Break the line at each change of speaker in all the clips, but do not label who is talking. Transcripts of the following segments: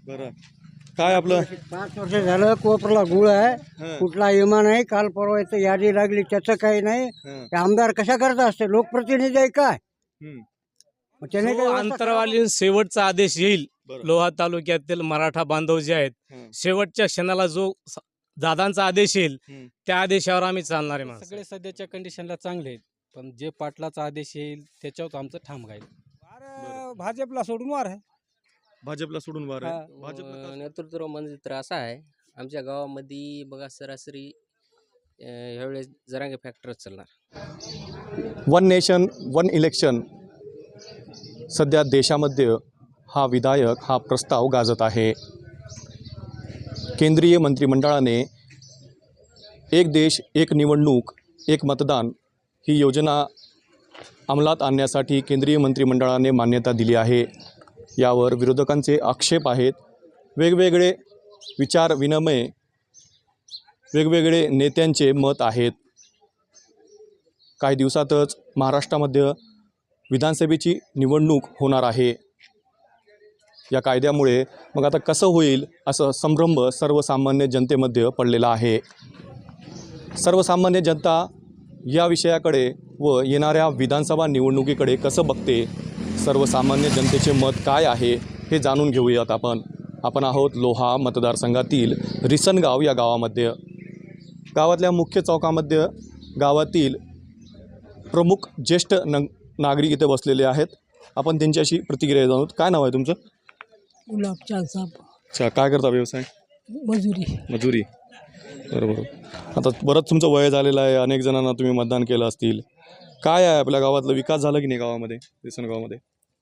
बरं. काय आपलं
5 वर्ष झालं कोपरला गुळ आहे,
हं,
कुठला विमा नाही. काल परवा इथं यादी लागली, त्याचं काही नाही.
हं,
ते आमदार कशा करता असते, लोकप्रतिनिधी आहे काय?
हं.
मग त्याने
जो
काही व्यवस्था
अंतरावाली शेवटचा आदेश येईल,
बरं.
लोहा तालुक्यातील मराठा बांधव जे आहेत,
हं,
शेवटच्या क्षणाला जो दादांचा आदेश येईल
हं.
त्या आदेशावर आम्ही चालणार आहे माणसं.
सगळे सध्याच्या कंडिशनला चांगले आहेत, पण जे पाटलाचा आदेश येईल त्याच्यावर आमचं ठाम राहील.
भाजपला सोडून वार आहे.
भाजपला सोडून वार आहे. भाजपला का?
नेतृत्व म्हणजे तर असा आहे, आमच्या गावामध्ये बघा सरासरी ह्यावेळेस जरांगे फॅक्टर चालणार.
वन नेशन वन इलेक्शन सध्या देशामध्ये हा विधायक हा प्रस्ताव गाजत आहे. केंद्रीय मंत्रिमंडळाने एक देश एक निवडणूक एक मतदान ही योजना अंमलात आणण्यासाठी केंद्रीय मंत्रिमंडळाने मान्यता दिली आहे. यावर विरोधकांचे आक्षेप आहेत. वेगवेगळे विचार विनिमय वेगवेगळे नेत्यांचे मत आहेत. काही दिवसातच महाराष्ट्रामध्ये विधानसभेची निवडणूक होणार आहे. या कायद्यामुळे मग आता कसं होईल असं संभ्रम सर्वसामान्य जनतेमध्ये पडलेला आहे. सर्वसामान्य जनता या विषयाकडे व येणाऱ्या विधानसभा निवडणुकीकडे कसं बघते, सर्वसामान्य जनतेचे मत काय आहे हे जाणून घेऊयात आपण आहोत लोहा मतदारसंघातील रिसनगाव या गावामध्ये. गावातल्या मुख्य चौकामध्ये गावातील प्रमुख ज्येष्ठ नागरिक इथे बसलेले आहेत. आपण त्यांच्याशी प्रतिक्रिया जाणूत. काय नाव आहे तुमचं?
गुलाबचान साहेब,
अच्छा, काय करता व्यवसाय? मजुरी. बरोबर. आता बरंच तुमचं वय झालेलं आहे, अनेक जणांना तुम्ही मतदान केलं असतील. काय आहे आपल्या गावातला विकास झाला की नाही गावामध्ये, रिसनगावामध्ये?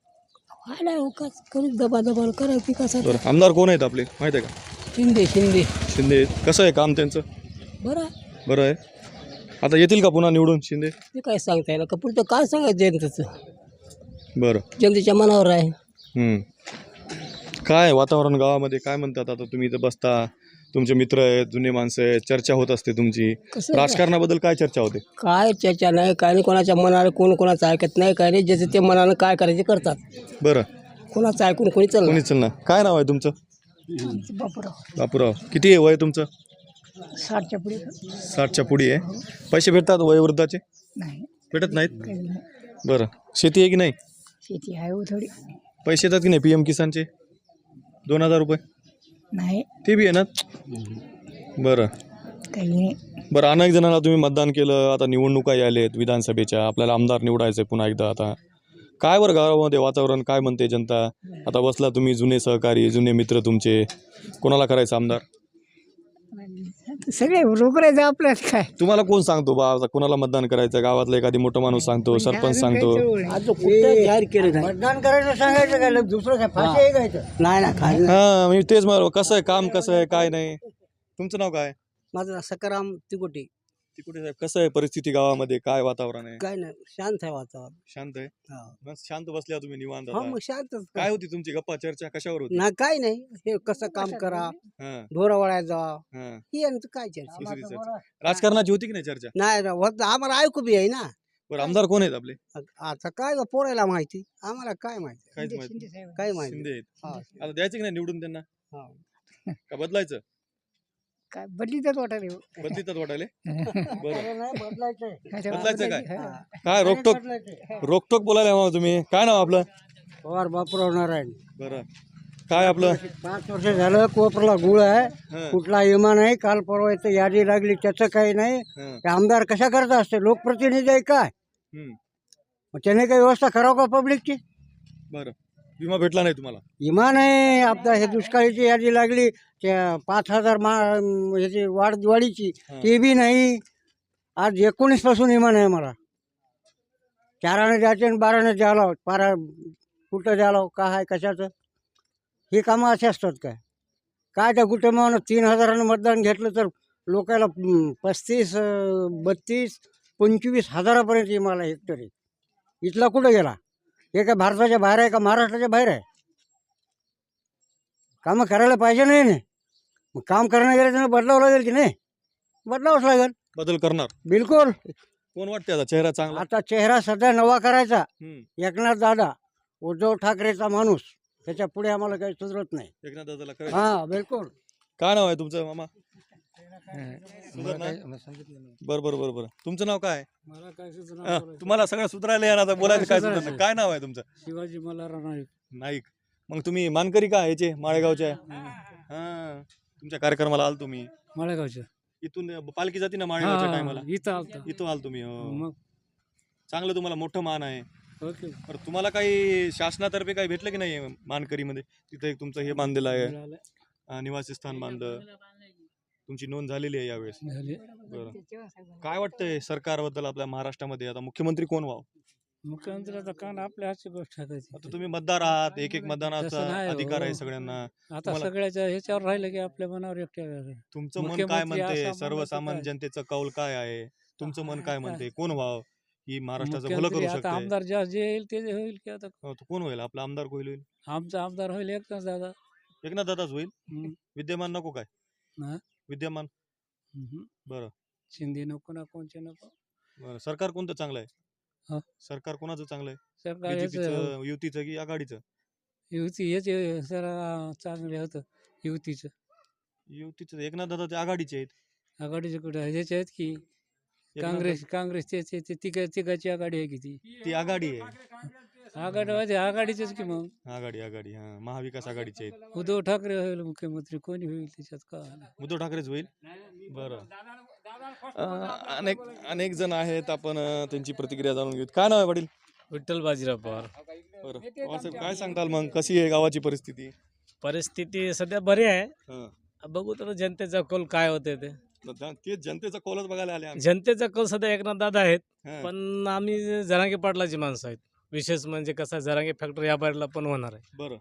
दबा करायची कसं.
बरं, आमदार कोण आहेत आपले माहीत आहे का? शिंदे. कसं आहे काम त्यांचं? बरं आहे. आता येतील का पुन्हा निवडून शिंदे?
ते काय सांगता येईल का, पुढचं काय सांगायचं जनतेचं,
बरं.
जनतेच्या मनावर आहे.
काय वातावरण गावामध्ये काय म्हणतात? आता तुम्ही इथं बसता, तुमचे मित्र आहेत, जुने माणसं आहेत, चर्चा होत असते तुमची.
कसं आहे?
राजकारणाबद्दल काय चर्चा होते?
काय चर्चा नाही, काय नाही. कोणाच्या मनाला कोण कोणाचं ऐकत नाही, काय नाही. ज्याचे ते मनानं काय करायचे करतात.
बरं.
कोणाचं ऐकून कोणी चाललं.
कोणीच ना. काय नाव आहे तुमचं? बापूराव. किती आहे वय तुमचं?
60च्या पुढे
60च्या पुढे आहे. पैसे भेटतात वयोवृद्धाचे?
नाही,
भेटत नाहीत. बरं. शेती आहे की नाही?
शेती आहे हो थोडी.
पैसे येतात की नाही PM किसानचे 2000 रुपये?
नाही,
ते बी आहे ना. बरं.
काही नाही.
बरं, अनेक जणांना तुम्ही मतदान केलं, आता निवडणुका आलेत विधानसभेच्या, आपल्याला आमदार निवडायचं आहे पुन्हा एकदा. आता काय बरं गावामध्ये वातावरण काय म्हणते जनता? आता बसला तुम्ही, जुने सहकारी, जुने मित्र तुमचे, कोणाला करायचं आमदार?
सगळे रोकरायचं आपल्याला काय.
तुम्हाला कोण सांगतो बा आता कोणाला मतदान करायचं? गावातला एखादी मोठा माणूस सांगतो, सरपंच सांगतो.
जाहीर केलं मतदान करायचं सांगायचं काय, दुसरं काय फाशी आहे काय? नाही ना, काय
हां, मी तेच म्हणतो, कसं आहे काम, कसं आहे काय नाही. तुमचं नाव काय?
माझं सकाराम तिकोटी.
तिकडे साहेब, कसं आहे परिस्थिती गावामध्ये, काय वातावरण आहे?
काय नाही, शांत आहे वातावरण.
शांत आहे.
हा.
मस्त शांत बसल्या तुम्ही निवांत
हा,
आता.
मग शांतच
काय होती तुमची गप्पा चर्चा कशावर होती?
ना, काय नाही. हे कसं काम करा,
हां,
ढोरावळ्यात जा,
हां.
ही यांचं काय चर्चा.
दुसरी चर्चा. राजकारणाची होती की नाही चर्चा?
नाही ना, होत आम्हाला ऐकू बी आहे ना.
बरं, आमदार कोण आहेत आपले?
आता काय पोरायला माहिती, आम्हाला काय माहिती.
काहीच माहिती नाही.
काय माहिती.
शिंदे आहेत.
हा.
आता द्यायचं की नाही निवडून त्यांना?
हा.
का बदलायचं?
काय बदलीतच वाटायला.
बदलीतात वाटायले. बरं.
बदलायचं
काय? काय रोकटोक बोलायला मग तुम्ही? काय नाव आपलं?
पवार बापूराव नारायण.
बरं. काय आपलं?
5 वर्ष झालं कोपरला गुळ आहे,
हं,
कुठला विमा नाही. काल परवा इथं यादी लागली, त्याचं काही नाही.
हं,
ते आमदार कशा करता असते, लोकप्रतिनिधी आहे काय?
हं.
मग त्याने काही व्यवस्था करावं का पब्लिकची?
बरं. विमा भेटला नाही तुम्हाला?
विमा नाही. आता हे दुष्काळीची यादी लागली, त्या 5000 ह्याची वाढीची,
हं.
ते बी नाही. आज 19 पासून विमा नाही मला. 4 आणे द्यायचे आणि 12 आणे द्यायला, कुठं द्यायला, काय आहे कशाचं? ही कामं असे असतात काय? काय त्या कुटुंबानं 3000 मतदान घेतलं तर लोकांना 35, 32, 25 हजारापर्यंत विमाला हेक्टरी. इथला कुठं गेला? हे काय भारताच्या बाहेर आहे का महाराष्ट्राच्या बाहेर आहे? कामं करायला पाहिजे नाही ना. मग काम करणं गेलं तर बदलावं लागेल की नाही? बदलावंच लागेल.
बदल करणार.
बिलकुल.
कोण वाटते आता चेहरा चांगला?
आता चेहरा सध्या नवा करायचा.
हं,
एकनाथ दादा, उद्धव ठाकरेचा माणूस. त्याच्या पुढे आम्हाला काही सुधरत नाही.
एकनाथ दादाला करेल.
हा बिलकुल.
काय नाव आहे तुमचं मामा? बरं. तुमचं नाव काय?
मला काय
तुम्हाला सगळं सुधारायला येणार, बोलायचं काय सुधारणार?
सुधारायचं.
काय नाव आहे तुमचं?
शिवाजी मल्हारराव नाईक.
नाईक. मग तुम्ही मानकरी का याचे माळेगावचे? हा, तुमच्या कार्यक्रमाला आल तुम्ही.
माळेगावच्या.
इथून पालखी जाते ना माळेगावच्या टायमाला,
इथं आलता.
इथं आल तुम्ही. हो.
मग
चांगलं, तुम्हाला मोठं मान आहे.
ओके.
बरं, तुम्हाला काही शासनातर्फे काही भेटलं की नाही मानकरीमध्ये? तिथं एक तुमचं हे बांधलेलं आहे, निवासी स्थान बांधलं, तुमची नोंद झालेली आहे यावेळेस. बरं, काय वाटतंय सरकारबद्दल आपल्या महाराष्ट्रामध्ये? आता मुख्यमंत्री कोण व्हावं?
मुख्यमंत्र्याचा कान आपल्या हातची गोष्ट आहे.
आता तुम्ही मतदार आहात, एक
तसं
मतदानाचा
नाही हो.
अधिकार आहे सगळ्यांना.
आता
तुम्हाला-
सगळ्याच्या ह्याच्यावर राहिलं की आपल्या मनावर एकट्या.
तुमचं मन काय
मुख्यमंत्री
म्हणते?
असा माणूस
सर्वसामान्य
काय?
जनतेचं कौल काय आहे? तुमचं मन काय म्हणते? कोण व्हावं ही महाराष्ट्राचं भलं
मुख्यमंत्री
करू
आता
शकते?
आमदार जे येईल ते होईल की आता
तो कोण होईल आपला आमदार? होईल
आमचा आमदार होईल एकच दादा.
एकनाथ दादाच होईल.
हम्म.
विद्यमान नको काय?
हा?
विद्यमान.
हम्म.
बरं.
शिंदे नको ना कोणचे नको.
बरं, सरकार कोणतं चांगलं
हा?
आहे? सरकार कोणाचं चांगलं आहे?
सरकार हेच
बीजेपीचं, युतीचं की आघाडीचं?
युती हेच जरा चांगले होतं युतीचं.
युतीचं. एकनाथ दादा ते आघाडीचे आहेत.
आघाडीचे कुठे ह्याचे आहेत की
एकनाथ
काँग्रेस ते तिघाची आघाडी आहे की ती
दादा- ती आघाडी आहे.
आघाडी आघाडीचेच की मग.
आघाडी हा, महाविकास आघाडीचे आहेत.
उद्धव ठाकरे होईल मुख्यमंत्री, कोणी होईल त्याच्यात का.
उद्धव ठाकरेच होईल. बरं. अनेक जण आहेत, आपण त्यांची प्रतिक्रिया जाणून घेऊ. काय नाव आहे वडील?
विठ्ठल बाजीराव पवार.
बरं, पवार साहेब, काय सांगताल मग? कशी आहे गावाची परिस्थिती?
परिस्थिती सध्या बरी आहे.
हं.
बघू तर जनतेचा कौल काय होते ते.
ते जनतेचा कौलच बघायला आले आम्ही.
जनतेचा कौल सध्या एकनाथ दादा आहेत,
हं.
पण आम्ही जरांगे पाटलाची माणसं आहेत. विशेष म्हणजे कसं जरांगे फॅक्टरी या बाहेरला पण होणार आहे.
बरं,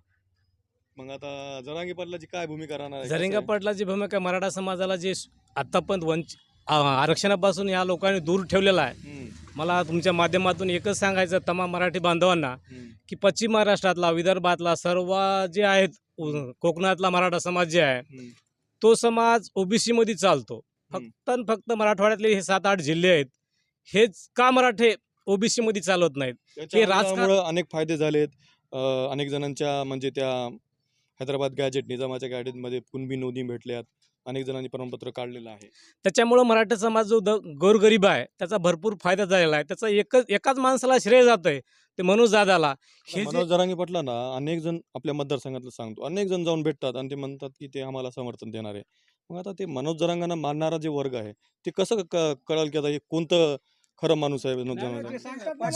मग आता जरांगे पाटलाची काय भूमिका राहणार आहे?
जरांगे
कसं आहे?
पाटलाची भूमिका मराठा समाजाला जे आतापर्यंत आरक्षणापासून या लोकांनी दूर ठेवलेला आहे.
हं,
मला तुमच्या माध्यमातून एकच सांगायचं तमाम मराठी बांधवांना
हं,
की पश्चिम महाराष्ट्रातला, विदर्भातला सर्व जे आहेत, कोकणातला मराठा समाज जे आहे
हं.
तो समाज ओबीसी मध्ये चालतो. फक्त आणि फक्त मराठवाड्यातले हे 7-8 जिल्हे आहेत, हेच का मराठे ओबीसी मध्ये चालत नाहीत?
त्याच्या
हे राजकारण-
आंदोलनामुळं अनेक फायदे झालेत. अनेक जणांच्या म्हणजे त्या हैदराबाद गॅजेट, निजामाच्या गॅजेटमध्ये कुणबी नोंदी भेटल्यात. अनेक जणांनी प्रमाणपत्र काढलेलं आहे.
त्याच्यामुळं मराठा समाज जो गोरगरीब आहे त्याचा भरपूर फायदा झालेला आहे. त्याचा एकाच माणसाला श्रेय जात आहे, ते मनोज दादाला. हे जे-
मनोज जरांगे पाटलांना अनेक जण आपल्या मतदारसंघातलं सांगतो, अनेक जण जाऊन भेटतात आणि ते म्हणतात की ते आम्हाला समर्थन देणार आहे. मग आता ते मनोज जरांगांना मानणारा जे वर्ग आहे ते कसं कळलं की आता हे कोणतं खरं माणूस आहे मनोज जरांगा?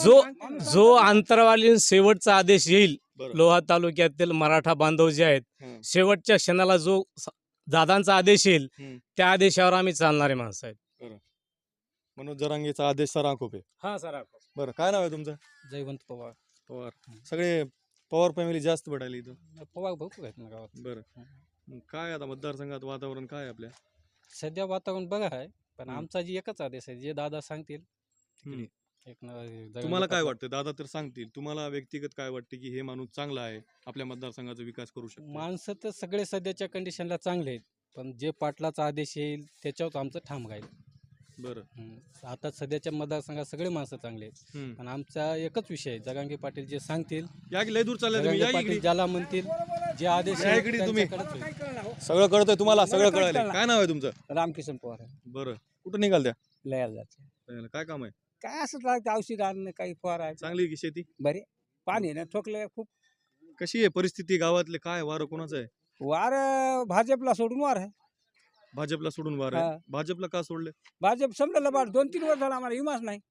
जो अंतरवालीन शेवटचा आदेश येईल,
बरं.
लोहा तालुक्यातील मराठा बांधव जे आहेत,
हं.
शेवटच्या क्षणाला जो दादांचा आदेश येईल
हं.
त्या आदेशावर आम्ही चालणारे माणसं आहेत.
मनोज जरांगेचा आदेश सराखोप आहे.
हा सर.
बरं, काय नाव आहे तुमचं?
जयवंत पवार.
पवार. सगळे पवार फॅमिली जास्त पडायला इथं.
पवार भरपूर आहेत ना गावात.
बरं, मग काय आता मतदारसंघात वातावरण काय आहे आपल्या?
सध्या वातावरण बघा आहे, पण
हम्म.
आमचा जी एकच आदेश आहे, जे दादा सांगतील.
हम्म.
जरांगे
तुम्हाला काय
पाटील-
वाटतं? दादा तर सांगतील, तुम्हाला व्यक्तिगत काय वाटतं की हे माणूस चांगला आहे, आपल्या मतदारसंघाचा विकास करू शकतो?
माणसं तर सगळे सध्याच्या कंडिशनला चांगले आहेत, पण जे पाटलाचा आदेश येईल त्याच्यावर आमचं ठाम राहील.
बरं.
आता सध्याच्या मतदारसंघात सगळे माणसं चांगले आहेत,
हम्म.
पण आमचा एकच विषय आहे, जरांगे पाटील जे सांगतील,
या की लय दूर चालले तुम्ही,
जरांगे
या
पाटील
इकडे.
ज्याला म्हणतील, जे आदेश
या
येईल
इकडे तुम्ही.
त्यांच्याकडेच होईल.
सगळं कळतंय तुम्हाला, सगळं कळायला. काय नाव आहे तुमचं?
रामकिशन पवार आहे.
बरं, कुठं निघाल त्या?
लयाला जायचं.
काय काम आहे?
काय असं लागतं औषध आणणं, काही फवारायचं.
चांगली आहे की शेती?
बरे पाणी ना ठोकलं खूप.
कशी आहे परिस्थिती गावातले? काय वारं कोणाचं आहे?
वार भाजपला सोडून वार आहे.
भाजपला सोडून वार
हा.
आहे. भाजपला का सोडले?
भाजप समजा बा 2-3 वर्ष झाला आम्हाला विमाच नाही.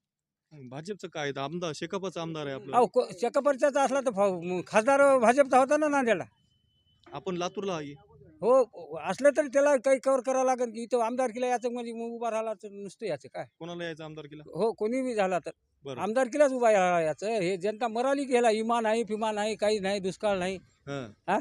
भाजपचं काय आहे? आमदार शेकापचा आमदार आहे आपलं.
अहो शेकापरचा असला तर खासदार भाजपचा होता ना नांदेडला.
आपण लातूरला आहे.
हो असलं तरी त्याला काही कव्हर करावं लागेल की इथं आमदारकीला याचं म्हणजे मग उभा राहिला तर नुसतं याचं काय.
कोणाला यायचं आमदारकीला?
हो कोणी बी झाला तर
बरं.
आमदारकीलाच उभा राहिला याचं. हे जनता मराली की ह्याला इमा नाही, फिमा नाही, काही नाही, दुष्काळ नाही.
हां.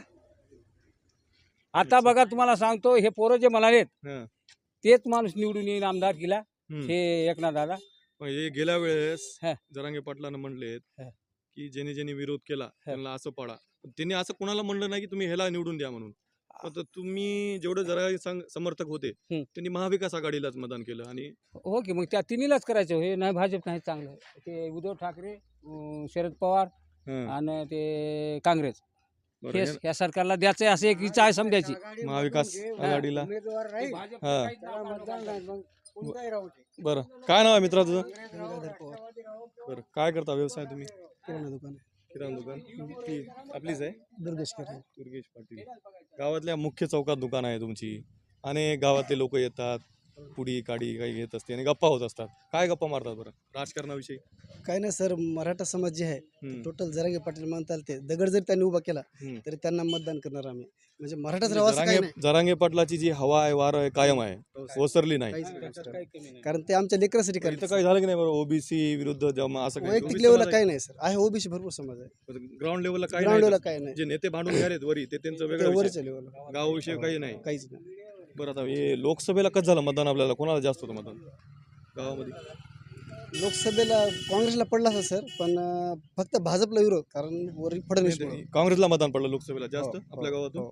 आता बघा तुम्हाला सांगतो, हे पोरं जे म्हणालेत
हां.
तेच माणूस निवडून येईल आमदारकीला,
हम्म.
हे एकनाथ दादा.
मग हे गेल्या वेळेस
हा.
जरांगे पाटलानं म्हणलेत
हा.
की ज्यांनी ज्यांनी विरोध केला त्यांना असं पाडा. पण त्यांनी असं कोणाला म्हणलं नाही की तुम्ही ह्याला निवडून द्या म्हणून. आता तुम्ही जेवढे जरा समर्थक होते त्यांनी महाविकास आघाडीलाच मतदान केलं आणि
हो की मग त्या तिन्हीलाच करायचं. हे नाही भाजप नाही चांगलं. ते उद्धव ठाकरे, शरद पवार
हां.
आणि ते काँग्रेस
बरं,
हे
हे
या सरकारला द्यायचं आहे, असं एक इच्छा आहे समजायची.
महाविकास आघाडीला
उमेदवार राहील
हा
त्याला मतदान नाही मग कोणताही राहू दे.
बरं, काय नाव आहे मित्रा तुझं? बरं, काय करता व्यवसाय तुम्ही?
किराणा दुकान
किराणा दुकान ती आपलीच आहे?
दुर्गेश किराणा.
दुर्गेश पाटील. गावातल्या मुख्य चौकात दुकान आहे तुमची आणि गावातले लोक येतात, पुडी काडी काही घेत असते आणि गप्पा होत असतात. काय गप्पा मारतात बरं राजकारणाविषयी?
काय नाही सर, मराठा समाज जे आहे
हम्म,
टोटल जरांगे पाटील म्हणताल ते दगड जरी त्यांनी उभा केला
हम्म.
तरी त्यांना मतदान करणार आम्ही. म्हणजे मराठाच राहावं असं काही
जरांगे जरांगे पाटलाची जी हवा आहे वार आहे कायम आहे, ओसरली नाही.
नाही, कारण ते आमच्या लेकरासाठी
इथं
करतात.
काही झालं की नाही बरं? ओबीसी विरुद्ध जमा असं काही
वैयक्तिक लेवलला काही नाही सर, आहे ओबीसी भरपूर समाज आहे.
ग्राउंड लेवलला काही
ग्राउंड
नाही.
लेवलला काही नाही,
जे नेते भांडून घ्यालेत वरी ते त्यांचं
ते
वेगळं विषय.
वरच्या लेवलला
गावाविषयी काही नाही.
काहीच नाही.
बरं, आता हे लोकसभेला कसं झालं मतदान? आपल्याला कोणाला जास्त होतं मतदान गावामध्ये?
लोकसभेला काँग्रेसला पडला असं सर, पण फक्त भाजपला विरोध, कारण वरील फडणवीस
काँग्रेसला मतदान पडलं लोकसभेला जास्त
हो,
आपल्या
हो,
गावातून.
हो.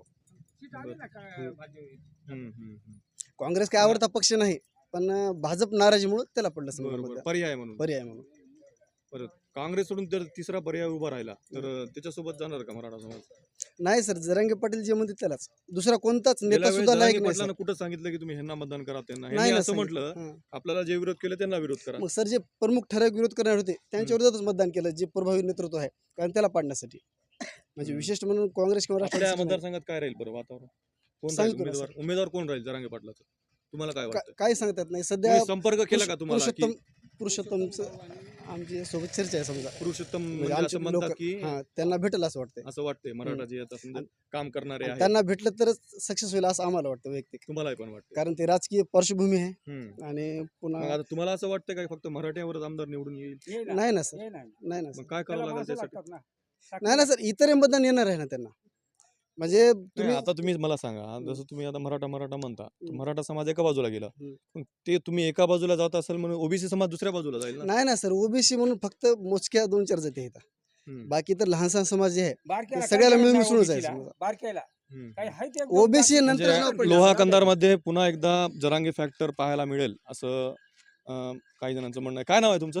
हम्म.
काँग्रेस काय आवडता पक्ष नाही, पण भाजप नाराजीमुळे त्याला पडलं सर
बरोबर,
मतदान.
पर्याय म्हणून.
पर्याय म्हणून.
बरं, काँग्रेस सोडून जर तिसरा पर्याय उभा राहिला तर त्याच्यासोबत जाणार का मराठा समाज?
नाही सर, जरांगे पाटील जे म्हणते त्यालाच, दुसरा कोणताच
गेल्या
नेता
वेळेस
सुद्धा लायक
जरांगे
नाही
पाटलांना
सर.
कुठं सांगितलं की तुम्ही ह्यांना मतदान करा, त्यांना
नाही
ह्यांनी
ना
असं
सांगितलं.
म्हटलं
हां.
आपल्याला जे विरोध केले त्यांना विरोध करा.
मग सर जे प्रमुख ठराविक विरोध करणार होते त्यांच्या विरोधातच मतदान केलं, जे प्रभावी नेतृत्व आहे, कारण त्याला पाडण्यासाठी. म्हणजे विशेष म्हणून काँग्रेस किंवा
आपल्या
राष्ट्रवादी
मतदारसंघात काय राहील बरं वातावरण? कोण राहील
सांगितलं ना
उमेदवार? उमेदवार कोण राहील जरांगे पाटलाचं? तुम्हाला काय वाटतं?
काय सांगतात नाही सध्या.
तुम्ही संपर्क केला का तुम्हाला की
पुरुषोत्तमचं आमची सोबत चर्चा आहे समजा.
पुरुषोत्तम
म्हणजे
म्हणजे
आमचे
असं म्हणतात
लोक
की
त्यांना भेटेल असं वाटतंय.
असं वाटतंय मराठा जे आता समजा काम करणारे
आणि
आहेत
त्यांना भेटलं तरच सक्सेस होईल असं आम्हाला वाटतं वैयक्तिक,
तुम्हाला पण वाटतं?
कारण ते राजकीय पार्श्वभूमी आहे
हम्म.
आणि
मग
पुन्हा
आता तुम्हाला असं वाटतं का फक्त मराठ्यावरच आमदार निवडून येईल?
नाही ना सर, नाही ना
मग
सर,
काय करावं लागेल त्यासाठी?
नाही ना सर, इतर मतदान येणार आहे ना त्यांना. म्हणजे
नाही,
तुम्ही
आता तुम्ही मला सांगा, जसं तुम्ही आता मराठा म्हणता, तर मराठा समाज एका बाजूला गेला,
हम्म.
मग ते तुम्ही एका बाजूला जात असेल म्हणून ओबीसी समाज दुसऱ्या बाजूला जाईल ना?
नाही ना सर, ओबीसी म्हणून फक्त मोजक्या 2-4 जाती आहेत.
हम्म.
बाकी तर लहान सहान समाज जे आहे
बारक्याला
ते सगळ्याला
काय
मिळून
करायचं
मिसळूनच आहे
OBC ला?
समजा.
बारक्याला
हम्म.
काही आहे ते
ओबीसी
म्हणजे
नंतर नाव पडलं.
लोहा कंधारमध्ये पुन्हा एकदा जरांगे फॅक्टर पाहायला मिळेल असं काही जणांचं म्हणणं आहे. काय नाव आहे तुमचं?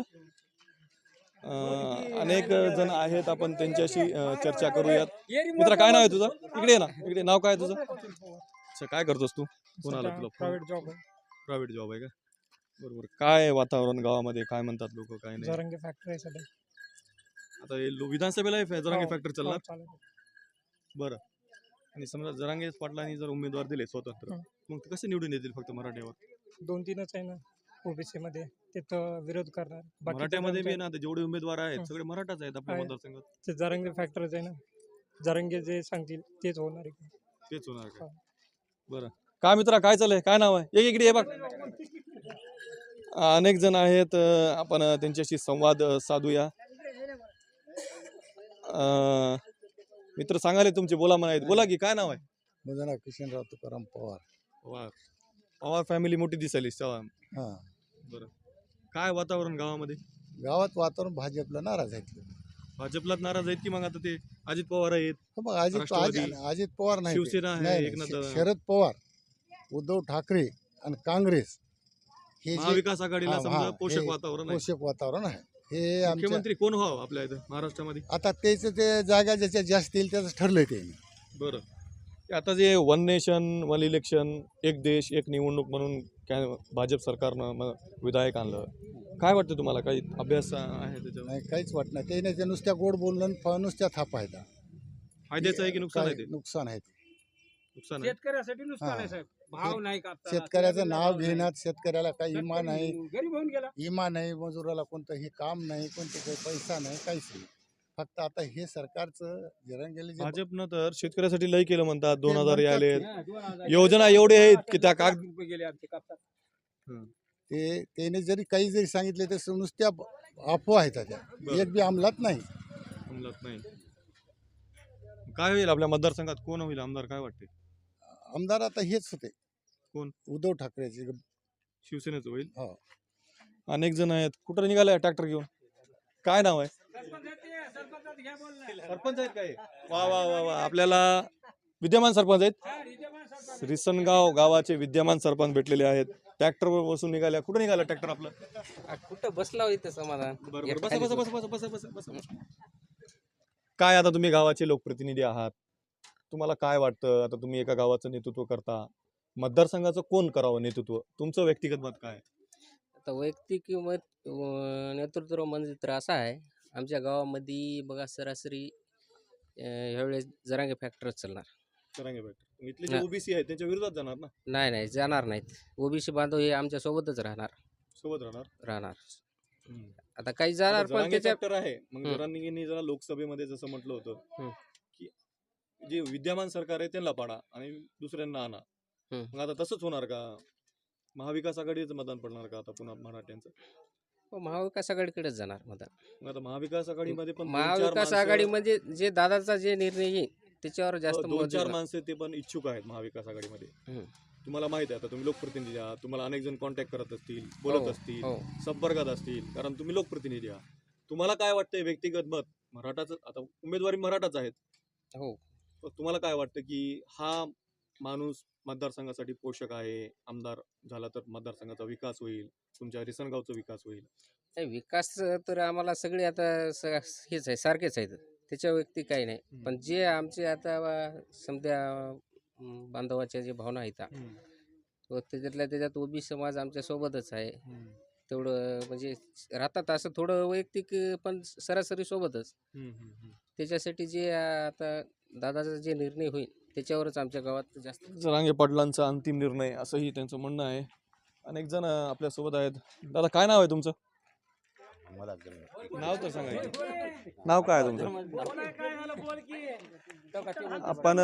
अनेक जण आहेत, आपण त्यांच्याशी चर्चा करूयात. मित्रा, काय नाव आहे तुझं? इकडे ये ना, इकडे. नाव काय आहे तुझं? अच्छा, काय करतोस तू? कोण आलं तुला?
प्रायव्हेट जॉब आहे.
प्रायव्हेट जॉब आहे का? बरोबर. काय वातावरण गावामध्ये? काय म्हणतात लोक? काय नाही?
जरांगे फॅक्टरी आहे सध्या.
आता हे विधानसभेला हे जरांगे
हो,
फॅक्टर चालणार.
चालेल.
बरं. आणि समजा जरांगे पाटलांनी जर उमेदवार दिले स्वतंत्र,
हं.
मग ते कसे निवडून येतील फक्त मराठ्यावर?
2-3च आहे ना ओबीसी मध्ये, तिथं विरोध करणार. बाकीचे
मराठ्यामध्ये बी
आमच्या-
ना, ते जेवढे उमेदवार आहेत
हं.
सगळे मराठाच आहेत आपल्या
आहे.
मतदारसंघात.
ते जरांगे फॅक्टरच आहे ना, जरांगे जे सांगतील तेच होणार आहे.
तेच होणार का?
हो.
बरं. काय मित्रा, काय चाललंय? काय नाव आहे? इकडे ये बघ. अनेक जण आहेत, आपण त्यांच्याशी संवाद साधूया. मित्र सांगाले तुमचे, बोला म्हणायत. बोला की, काय नाव आहे?
माझं नाव किशनराव तुकाराम पवार.
पवार. पवार फॅमिली मोठी दिसायली. चव्हाण.
हां,
बरं. काय वातावरण गावामध्ये?
गावात वातावरण भाजपला नाराज आहेत लोक.
भाजपलाच नाराज आहेत की मग आता ते अजित पवार आहेत,
हो, मग अजित
राष्ट्रवादी,
अजित पवार नाही ते.
शिवसेना आहे,
नाही,
एकनाथ
नाही,
दादा.
शरद पवार, उद्धव ठाकरे आणि काँग्रेस हे जे
महाविकास आघाडीला
हां,
समजा
हां,
पोषक
हे
वातावरण आहे.
पोषक वातावरण आहे. हे आमच्या
मुख्यमंत्री कोण व्हावं आपल्या इथं महाराष्ट्रामध्ये?
आता त्याचं ते जागा ज्याच्या जास्त येईल त्याचं ठरलंय ते.
बरं. ते आता जे वन नेशन वन इलेक्शन, एक देश एक निवडणूक म्हणून काय भाजप सरकारनं विधायक आणलं, काय वाटतं तुम्हाला? काही अभ्यास आहे त्याच्यावर?
नाही, काहीच वाटत नाही. ते नाही, ते नुसत्या गोड बोलणं नुसत्या थापा आहेत.
फायद्याचं आहे की नुकसान आहे? ते
नुकसान आहे.
नुकसान आहे.
शेतकऱ्यासाठी नुकसान आहे
हां.
साहेब. भाव नाही कापताना.
शेतकऱ्याचं नाव घेण्यात शेतकऱ्याला काही इमा नाही,
गरीब होऊन गेला.
इमा नाही, मजुराला कोणतंही काम नाही, कोणते काही पैसा नाही, काहीच नाही. फक्त आता हे सरकारचं जरांगेले जे
भाजपनं तर शेतकऱ्यासाठी लय केलं म्हणतात. 2000
म्हणतात
आले.
हा, 2000
योजना एवढे आहेत की त्या
लाख रुपये गेले आमचे कापतात.
ते त्याने जरी काही जरी सांगितले तर नुसत्या अफवा आहेत त्या.
बरं.
एक बी अंमलात नाही.
अंमलात नाही. काय होईल आपल्या मतदारसंघात? कोण होईल आमदार? काय वाटते?
आमदार आता हेच होते.
कोण?
उद्धव ठाकरेचे.
शिवसेनेचं होईल.
हो.
अनेक जण आहेत. कुठं निघाले ट्रॅक्टर घेऊन? काय नाव आहे? सरपंच आहेत काय? वा वा वा वा. आपल्याला विद्यमान सरपंच आहेत. रिसनगाव गावाचे विद्यमान सरपंच भेटलेले आहेत. ट्रॅक्टरवर बसून निघाल्या. कुठं निघाला ट्रॅक्टर आपलं?
कुठं बसला हो इथं समाधान.
बरोबर. बसा बसा बसा बसा बसा बसा बसा. काय आता तुम्ही गावाचे लोकप्रतिनिधी आहात, तुम्हाला काय वाटतं, आता तुम्ही एका गावाचं नेतृत्व करता, मतदारसंघाचं कोण करावं नेतृत्व, तुमचं व्यक्तिगत मत काय?
आता वैयक्तिक मत नेतृत्व म्हणजे तर असं आहे, आमच्या गावामध्ये बघा सरासरी ह्यावेळेस जरांगे फॅक्टरच चालणार.
जरांगे फॅक्टर इथले जे
ना-
ओबीसी आहेत त्यांच्या विरोधात जाणार ना,
नाही जाणार नाहीत. ओबीसी बांधव हे आमच्या सोबतच
सोबत राहणार.
राहणार.
हम्म.
आता काही
आता
जाणार पण
जरांगे
त्याच्या
फॅक्टर आहे, मग
हम्म.
जरांगेंनी जरा लोकसभेमध्ये जसं म्हटलं
हम्म.
होतं की जे विद्यमान सरकार आहे त्यांना पाडा आणि दुसऱ्यांना आणा.
हम्म.
मग आता तसंच होणार का? महाविकास आघाडीचं मतदान पडणार का आता पुन्हा मराठ्यांचं?
महाविकास आघाडीकडेच जाणार मतदान.
मग आता महाविकास आघाडीमध्ये पण
महाविकास आघाडी म्हणजे जे दादाचा जे निर्णय येईल त्याच्यावर जास्त मत
2-4
देणार.
माणसं ते पण इच्छुक आहेत महाविकास आघाडीमध्ये.
हम्म.
तुम्हाला माहित आहे, आता तुम्ही लोकप्रतिनिधी आहात, तुम्हाला अनेक जण कॉन्टॅक्ट करत असतील, बोलत
हो,
असतील,
हो.
संपर्कात असतील, कारण तुम्ही लोकप्रतिनिधी आहात. तुम्हाला काय वाटतंय व्यक्तिगत मत मराठाचं, आता उमेदवारी मराठाच आहेत,
हो.
तर तुम्हाला काय वाटतं की हा माणूस मतदारसंघासाठी पोषक आहे, आमदार झाला तर मतदारसंघाचा विकास होईल, तुमच्या रिसनगावचा विकास होईल?
नाही, विकास तर आम्हाला सगळे आता हेच आहे, सारखेच आहेत, त्याच्या व्यक्ती काही नाही. पण जे आमचे आता समजा बांधवाच्या जे भावना आहेत व त्याच्यात ओबी समाज आमच्या सोबतच आहे. तेवढं म्हणजे राहतात असं थोडं वैयक्तिक, पण सरासरी सोबतच. त्याच्यासाठी जे आता दादाचा जे निर्णय होईल त्याच्यावरच आमच्या गावात जास्त.
जरांगे पाटलांचा अंतिम निर्णय असंही त्यांचं म्हणणं आहे. अनेक जण आपल्यासोबत आहेत. दादा, काय नाव आहे तुमचं? नाव तर सांगा की. नाव काय आहे तुमचं? आपण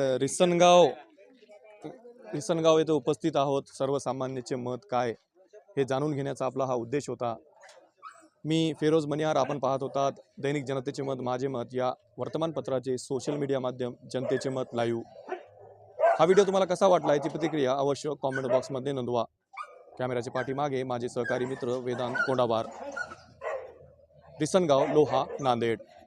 रिसनगाव येथे उपस्थित आहोत. सर्वसामान्याचे मत काय हे जाणून घेण्याचा आपला हा उद्देश होता. मी फिरोज मनिहार. आपण पाहत होतात दैनिक जनतेचे मत माझे मत या वर्तमानपत्राचे सोशल मीडिया माध्यम जनतेचे मत लाईव्ह. हा व्हिडिओ तुम्हाला कसा वाटला याची प्रतिक्रिया अवश्य कॉमेंट बॉक्समध्ये नोंदवा. कॅमेऱ्याच्या पाठीमागे माझे सहकारी मित्र वेदांत कोंडाबार, रिसनगाव, लोहा, नांदेड.